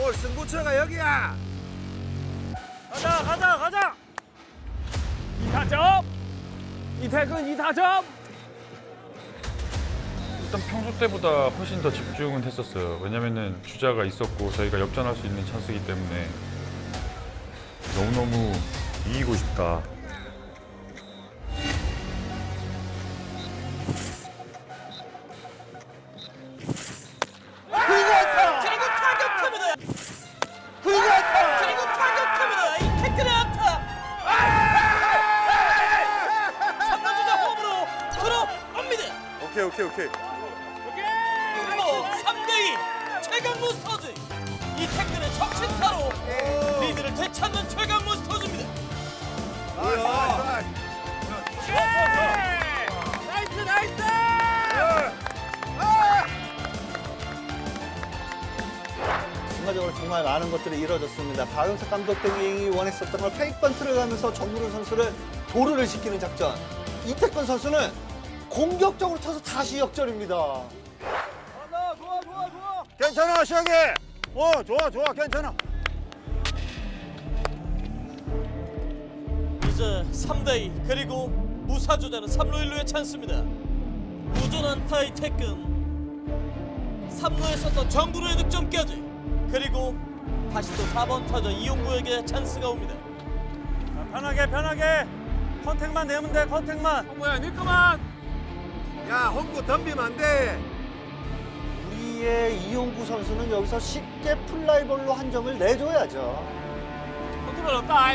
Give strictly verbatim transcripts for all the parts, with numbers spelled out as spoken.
올 승부처가 여기야. 가자 가자 가자. 이 타점. 이태근 이 타점. 일단 평소 때보다 훨씬 더 집중은 했었어요. 왜냐면은 주자가 있었고 저희가 역전할 수 있는 찬스이기 때문에 너무너무 이기고 싶다. 그리고 타격합니다. 그리고 타격합니다. 이 태클의 안타. 삼 루 주자 홈으로 들어옵니다. 오케이 오케이 오케이. 그리고 삼 대 이 최강 몬스터즈. 이 태클의 적신타로 리드를 되찾는 최강 몬스터즈입니다. 나이스 나이스. 순간적으로 정말 많은 것들이 이루어졌습니다. 박영석 감독 등이 원했었던 걸 페이크 번트를 가면서 정구를 선수를 도루를 시키는 작전. 이태권 선수는 공격적으로 쳐서 다시 역전입니다. 괜찮아 시작이. 어 좋아 좋아 괜찮아. 이제 삼 대 이 그리고 무사주자는 삼 루 일 루의 찬스입니다. 우전 안타의 태근 삼 루에 썼던 정구루의 득점까지 그리고 다시 또 사 번 타자 이용구에게 찬스가 옵니다. 편하게 편하게. 컨택만 내면 돼 컨택만. 어, 뭐야 니꺼만. 야 홍구 덤비면 안 돼. 우리의 이용구 선수는 여기서 쉽게 플라이볼로 한 점을 내줘야죠. 컨트롤 없다.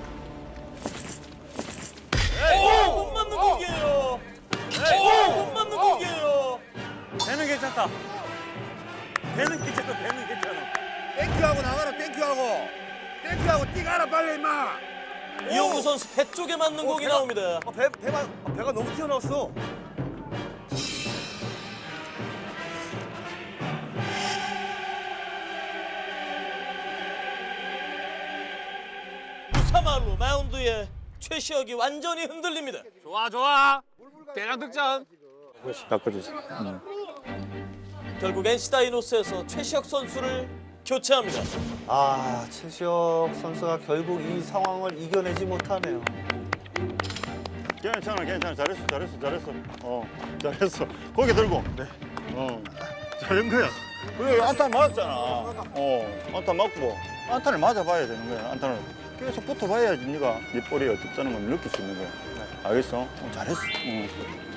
오! 못 맞는 공이에요. 오! 못 맞는 공이에요. 배는 괜찮다. 배는 괜찮아 배는 괜찮아. 땡큐하고 나가라 땡큐하고. 땡큐하고 뛰가라 빨리 임마. 이용구 선수 배 쪽에 맞는 공이 나옵니다. 어, 배 배가 어, 배가 너무 튀어나왔어. 무사말로 마운드에 최시혁이 완전히 흔들립니다. 좋아 좋아. 대량 득점. 바꿔주세요. 결국 엔씨 다이노스에서 최시혁 선수를 교체합니다. 아, 최시혁 선수가 결국 이 상황을 이겨내지 못하네요. 괜찮아, 괜찮아. 잘했어, 잘했어, 잘했어. 어, 잘했어. 고개 들고. 네. 어, 잘한 거야. 그래, 안타 맞았잖아. 어, 안타 맞고 안타를 맞아봐야 되는 거야. 안타를 계속 붙어봐야지 네가 네 볼이 어떻다는 걸 느낄 수 있는 거야. 알겠어? 어, 잘했어. 어.